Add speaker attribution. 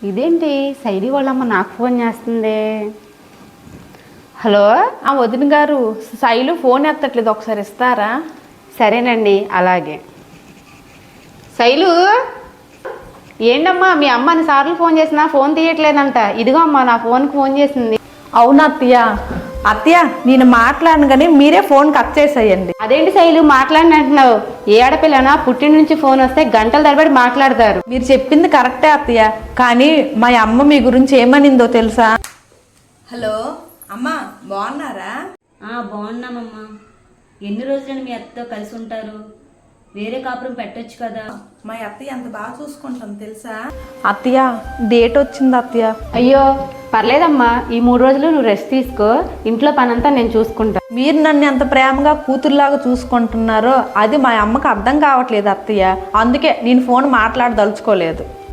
Speaker 1: ఇదేంటి శైలి వాళ్ళమ్మ నాకు ఫోన్ చేస్తుంది. హలో వదిన గారు, శైలు ఫోన్ ఎత్తట్లేదు, ఒకసారి ఇస్తారా? సరేనండి, అలాగే. శైలు, ఏంటమ్మా మీ అమ్మ అన్నిసార్లు ఫోన్ చేసినా ఫోన్ తీయట్లేదంట. ఇదిగో అమ్మా నా ఫోన్కి ఫోన్ చేసింది.
Speaker 2: అవునా అత్తయ్య నేను మాట్లాడను కానీ మీరే ఫోన్ కట్ చేసేయండి.
Speaker 1: అదేంటి శైలు మాట్లాడిన అంటున్నావు? ఏ ఆడపిల్లనా పుట్టిన నుంచి ఫోన్ వస్తే గంటల తరబడి మాట్లాడతారు.
Speaker 2: మీరు చెప్పింది కరెక్టే అత్తయ్య, కానీ మా అమ్మ మీ గురించి ఏమనిందో తెలుసా? హలో అమ్మా, బాగున్నారా?
Speaker 3: బాగున్నామమ్మా. ఎన్ని రోజులని మీ అత్తతో కలిసి ఉంటారు? వేరే కాపురం పెట్టొచ్చు కదా.
Speaker 2: మా అత్తయ్య అంత బాగా చూసుకుంటాం తెలుసా? అత్తయ్య డేట్ వచ్చింది అత్తయ్య.
Speaker 1: అయ్యో పర్లేదమ్మా, ఈ 3 రోజులు నువ్వు రెస్ట్ తీసుకో, ఇంట్లో పనంతా నేను చూసుకుంటా.
Speaker 2: మీరు నన్ను ఎంత ప్రేమగా కూతురులాగా చూసుకుంటున్నారో అది మా అమ్మకి అర్థం కావట్లేదు అత్తయ్య. అందుకే నేను ఫోన్ మాట్లాడదలుచుకోలేదు.